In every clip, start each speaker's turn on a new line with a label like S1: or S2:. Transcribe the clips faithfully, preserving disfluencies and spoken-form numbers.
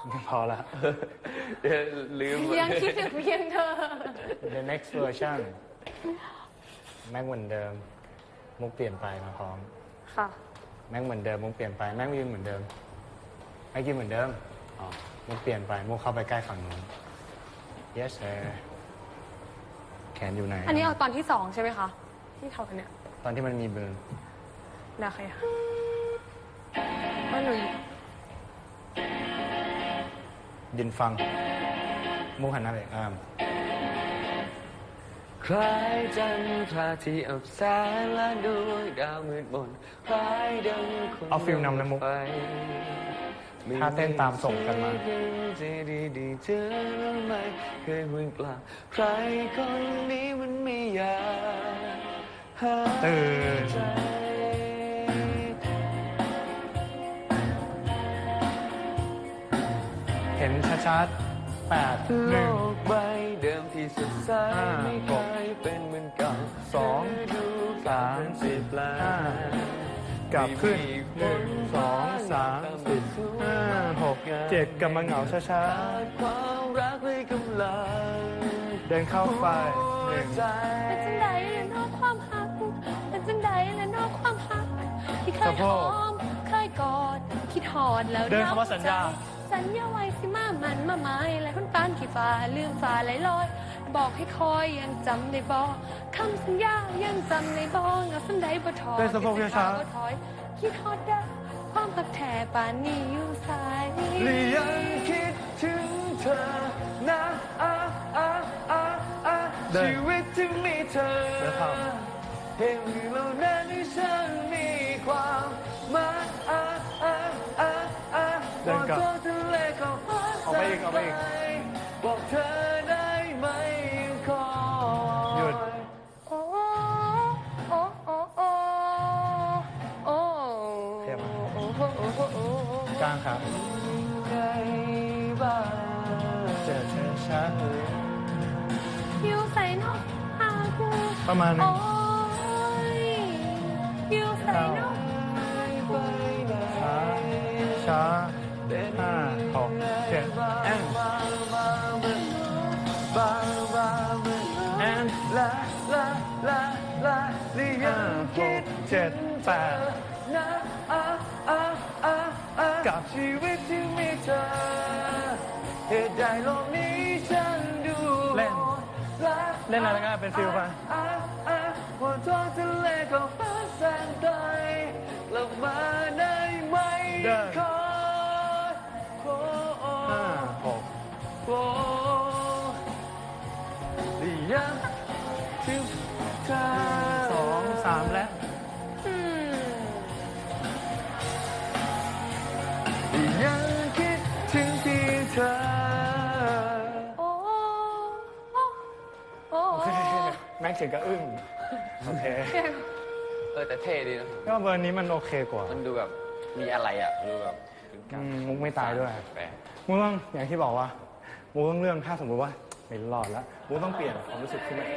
S1: พอละ
S2: เดี๋ยวลืม
S3: ยังคิดถึงเพียงเธอ
S1: The next version แม็กเหมือนเดิมมุกเปลี่ยนไปมาพร้อม
S3: ค่ะ
S1: แม็กเหมือนเดิมมุกเปลี่ยนไปแม็กยืนเหมือนเดิมแม็กยืนเหมือนเดิมอ๋อมุกเปลี่ยนไปมุกเข้าไปใกล้ฝั่งนู้น yes sir แขนอยู่ไหน
S3: อันนี้เอาตอนที่สองใช่ไหมคะที่ทำเนี่ย
S1: ตอนที่มันมีเบอร์
S3: นะใครคะว่าหนู
S1: ยืนฟังมุกหันหน้าไปอ่าม
S2: คล้ายจันทราที่อับแสงและดวงดาวมืดมนคล้ายดังคน
S1: เอาฟิลนำนะมุกถ้าเต้นตามส่งกันมา
S2: จะดีดีเธอรู้ไหมเคยห่วงกล่าวใครคนนี้มันไม่อยากหา
S1: ตื่น
S2: ใจ
S1: เห็นชัดๆแปดห
S2: โล
S1: นึ่ง
S2: กใบเดิมที่สดใส
S1: ห้า
S2: ไม่เคยเป็นเหมือนเก่า
S1: สอง
S2: ดู
S1: สาม
S2: เปลี่ยนแปล
S1: ห้าง กลับขึ้นหนึ่งสองสามสี่ห้าหกเจ็ดกำลังเหงาช้า
S2: ขาดความรักเลยกำลัง
S1: ๆเดินเข้าไปหนึ่ง
S2: ใจ
S3: เป็นจังใดและนอกความหักเป็นจังใดและนอกความหักที่เคย
S1: สะโพ
S3: ห
S1: ก
S3: อมเคยกอดคิดหอดแล้ว
S1: เดินคำว่าสัญญา
S3: สัญญาไว้สิมามันมาไม้และคนปานขี้ฟ้าลืมฟ้าไหลลอย บอกให้คอยยังจำได้บ่คำสัญญายังจำได้บ่เงาสันใดบ่ถอย
S1: เดินสะโพกช้าๆ
S3: บ่ถอยคิดฮอดได้ความตักแท่ปานนี้อยู่สาย
S2: หรือยังคิดถึงเธอนะอ่ะอ่ะอ่ะอ่ะ
S1: เดิน
S2: ชีวิตที่มีเธอ
S1: เดินเข้า
S2: เห็นเหล่านั้นที่ฉันมีความหมายอ่ะอ่ะอ่ะอ่ะ
S1: เดินกลับ
S2: บอกเธอทะเลก็ฟ้า
S1: ออกไปอีกออกไปอีก
S2: บอกเธอได้ไหมยังคอย
S1: หยุด
S3: โอ้โอ้โอ้โอ้โอ้
S1: เทียบมา
S3: โอ้โอ้โอ้โอ้โอ้
S1: กลางครับ
S2: ไงบ้าง
S1: เจอเธอช้า
S3: อยู่ใส่นกหากู
S1: ประมาณนึ
S3: โอ้
S1: ง
S3: ยอยู่ใส่นก
S2: ไปไหน
S1: ช้าช้าห้าหกเจ็ดแอน
S2: บ้าบ้าบ้าบ้าบ้า
S1: แอน
S2: ลาลาลาลาหรือ
S1: ห้า
S2: ยัง
S1: ห
S2: คิด
S1: กเจ็ดแปด
S2: นะอ่ะอ่ะอ่ะอ่ะ
S1: กับ
S2: ชีวิตที่มีเธอเหตุใดโลกนี้ฉันดู
S1: เล่น
S2: ลา
S1: เล่นอะไรก็ได้เป็นฟิลไป
S2: อ่ะอ่ะว่าท้องทะเลก็ฟ้าแสนไกลกลับมาได้ไหม
S1: เดิน
S2: ขอโอ้โอ้
S1: ห้าหก
S2: โอ้ยังถึงเธอ
S1: สองสามและ
S3: อืม
S2: ยังคิดถึงเพียงเธอ
S3: โอ้โอ้โอ้
S1: โอเคแม็กถึงก็อึ้งโอเค
S2: เออแต่เท่ดีนะ
S1: ก็เบอร์นี้มันโอเคกว่า
S2: มันดูแบบมีอะไรอ่ะดูแบบถึงกั
S1: อื
S2: น
S1: มมุกไม่ตายด้วย
S2: แปลก
S1: มุกต้องอย่างที่บอกว่ามุกต้องเรื่องถ้าสมมติว่าไม่รอดแล้วมุกต้องเปลี่ยนความรู้สึกขึ้นมา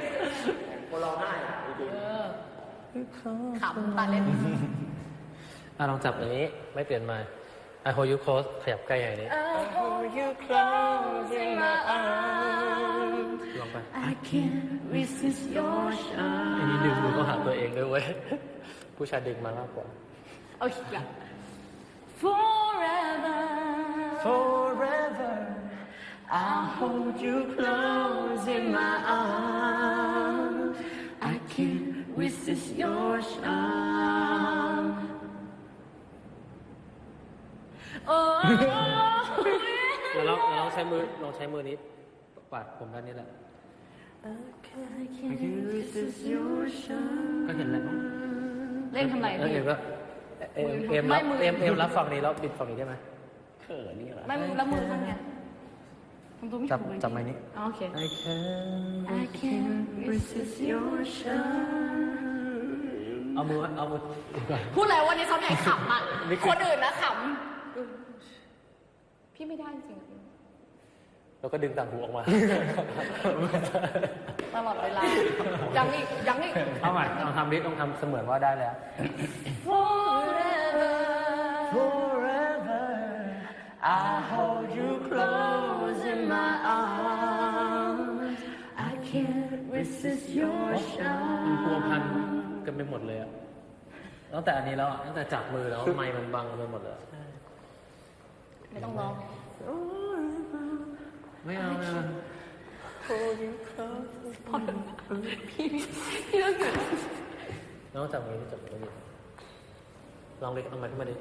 S3: ขำตาเล่น
S4: อ่ะลองจับอันนี้ไม่เปลี่ยนมา I hold you close ขยับใกล้อย่างนี้
S3: hold you close in my arms
S4: ลองไป
S3: I can't resist your
S4: อันนี้
S3: charm
S4: ดึงมือเข้าหาตัวเองด้วยเว้ย ผู้ชายดึงมามากกว่า
S3: เอาอีกอย่าง Forever
S1: Forever
S3: I'll hold you close in my arms I can't resist your charm โอ้
S4: แล้วเราเราลองใช้มือลองใช้มือนี้ปัดผมด้านนี้แหละ
S3: I can't resist your charm
S4: ก็เห็นแล้ว
S3: เล่นทำไร
S4: เออ
S3: พี่
S4: เอ็มก็เอ็มเอ็ม
S3: ไม่
S4: รับ
S3: มือ
S4: เอ็มเอ็มรับฝั่งนี้แล้วบิดฝั่งนี้ได้ไหม
S3: ไม่แล้วมือข้างไงทำตัวไม่
S4: จับ
S3: ถูกเลย
S4: จับไม้นี้
S3: อ๋อโอเค
S4: I can
S3: I can't resist your charm
S4: เอามือเอามือ
S3: พูดแล้ววันนี้ซ้อมใหญ่ขำอ่ะ
S4: นี่คือ
S3: คนอื่นนะขำ พี่ไม่ได้จริง
S4: แล้วก็ดึงต่างหูออกมา
S3: ตลอดเวลา ยังอีกยังอีก
S4: เอาใหม่ลองทำดิลองทำเสมือนว่าได้แล้ว
S3: Forever
S2: Forever I hold you
S3: resist your
S4: มันพัว
S3: charm
S4: พันกันไปหมดเลยอะตั้งแต่อันนี้แล้วอะตั้งแต่จับมือแล้วไมค์มันบังกันไปหมดเลย
S3: ไม่ต้องร้อง
S4: ไม่เอาไม่เอา
S3: พี่พี่ต้องหยุด
S4: น้องจับมือที่จับมือดิลองเล็กเอามาขึ้นมาดิ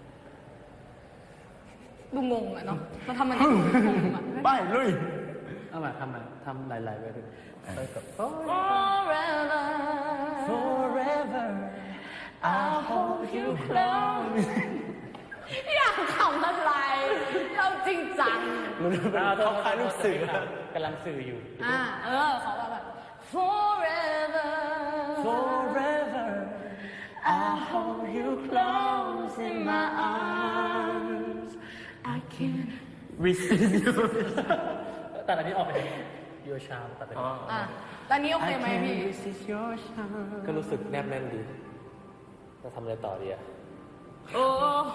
S3: ดูงงอะเนาะมาทำมันให้ดูงงอะ
S1: ไปลุย
S4: เอามาทำมาทำหลายๆไปดิไปกับ
S3: Forever
S2: Forever
S3: I'll hold you close อยากขำอะไรเราจริงจัง
S1: มันเป็นเขาคล้ายลูกเสือก
S4: ำลังสื่ออยู่
S3: อ่าเออเขาแบบ Forever
S2: Forever
S3: I'll hold you close in my arms I can't
S2: resist you
S4: ตัดอันนี้ออกไปดิโยชามตัดไปดิ
S3: อ่ะตอนนี้โอเคไหมพี่
S2: resist your charm
S4: ก็รู้สึกแนบแน่นดีจะทำอะไรต่อดีอะ
S3: โอ้โห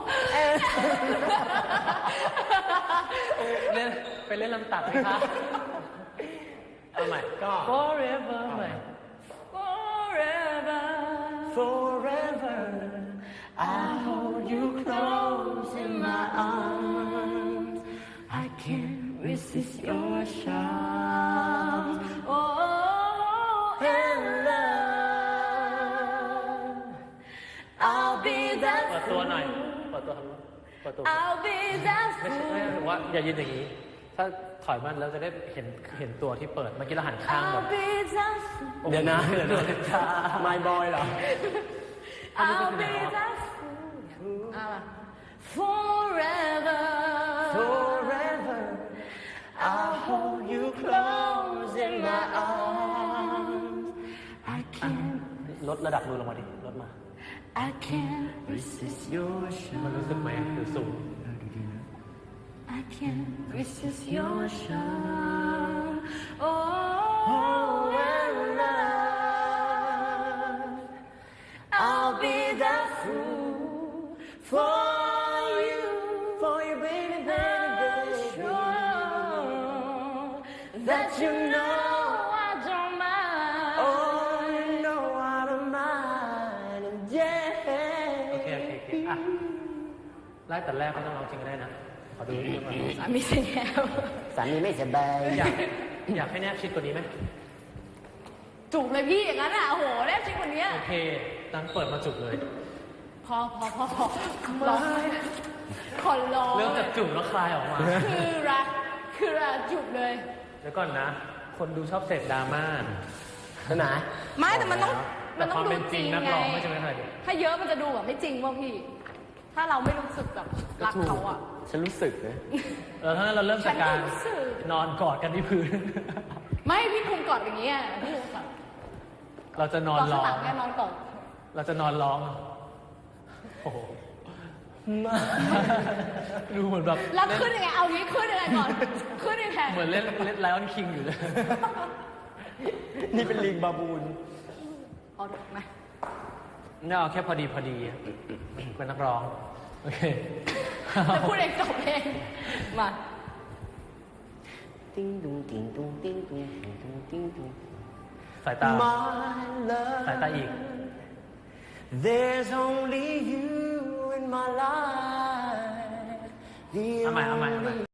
S4: เล่นไปเล่นลำตัดไหมคะเอาใหม่ก็ forever ใหม่
S3: Forever
S2: Forever I hold you close in my arms I can't resist your charm
S3: Oh and love I'll be
S4: เปิด
S3: that
S4: ตัวหน่อยเปิดตัวทำเปิดตัว
S3: I'll be that
S4: ไม่ใช่ไม่ใช่หรือว่าอย่ายืนอย่างนี้ ถ้าถอยมันแล้วจะได้เห็นเห็นตัวที่เปิด เมื่อกี้เราหันข้างแบบ
S3: I'll be that
S1: เดี๋ยวนะเดี๋ยวนะ My boy เหรอ
S3: I'll be thatอ่ะมา Forever
S2: Forever I'll hold you close in my arms I can't
S4: ลดระดับมือลงมาดิ ลดมา
S3: I can't
S2: resist your charm
S4: มันรู้สึกไหมหรือสูง
S3: I can't resist your charm. Oh,
S2: Oh and love I'll be the fool for you for you baby baby baby
S3: sure that you know I don't mind.
S2: Oh you know I don't mind and yeah
S4: โอเค โอเค โอเค อ่ะ ไล่แต่แรกไม่ต้องร้องจริงก็ได้นะ ขอดูนิดนึงก่อน
S3: สามีเสียแล้ว
S2: สามีไม่สบาย
S4: อยากให้อยากให้แนบชิดกว่านี้ไหม
S3: จุกเลยพี่อย่างนั้นอ่ะโอ้โหแน่จริงกว่านี้
S4: โอเค ตั้งเปิดมาจุกเลย
S3: พอพอพอพอร้องขอร้อง
S4: เริ่มจากจุกแล้วคลายออกมา
S3: คือรักคือรักจุกเลย
S4: เดี๋ยวก่อนนะ คนดูชอบเสพดราม่า
S2: นะ
S3: ไม่แต่มันต้อง
S4: แต่
S3: มันต้
S4: ค
S3: อง
S4: วาม
S3: ดู
S4: เป็นจ
S3: จ
S4: ริ
S3: ริ
S4: ง
S3: ง
S4: นัก
S3: ไง
S4: ร้องไม่ใช่ไหมคะเดี๋ยว
S3: ถ้าเยอะมันจะดูแบบไม่จริงว่ะพี่ ถ้าเราไม่รู้สึกแบบรักเขาอ่ะ
S1: ฉันรู้สึกนะ
S4: เออถ้างั้นเราเริ่มจากการ
S3: ฉันรู้สึก
S4: นอนกอดกันที่พื้น
S3: ไม่พี่คุมกอดอย่างเงี้ยพี่คุมกอด
S4: เราจะน
S3: ก
S4: อ
S3: อน ด
S4: ร้
S3: ข้าง
S4: อ
S3: หลั
S4: ง
S3: งเนี่ยนอนกอด
S4: เราจะนอนร้อง โอ้โหดูเหมือนแบบ
S3: แล้วขึ้นยังไงเอางี้ขึ้นยังไงก่อนขึ้นยังไง
S4: เหมือนเล่นเล่นไลออนคิงอยู่เลย
S1: นี่เป็นลิงบาบูน
S3: เอาถูกไหม
S4: นี่เอาแค่พอดีพอดีเป็นนักร้อง โอเค
S3: จะพูดเองจบเองมา
S2: ติ้งดุงติ้งดุงติ้งดุงติ้งดุงติ้งดุง
S4: สายตา
S2: My love
S4: สายตาอีก
S2: There's only you in my life. The
S4: เอาใหม่เอาใหม่เอาใหม่
S2: only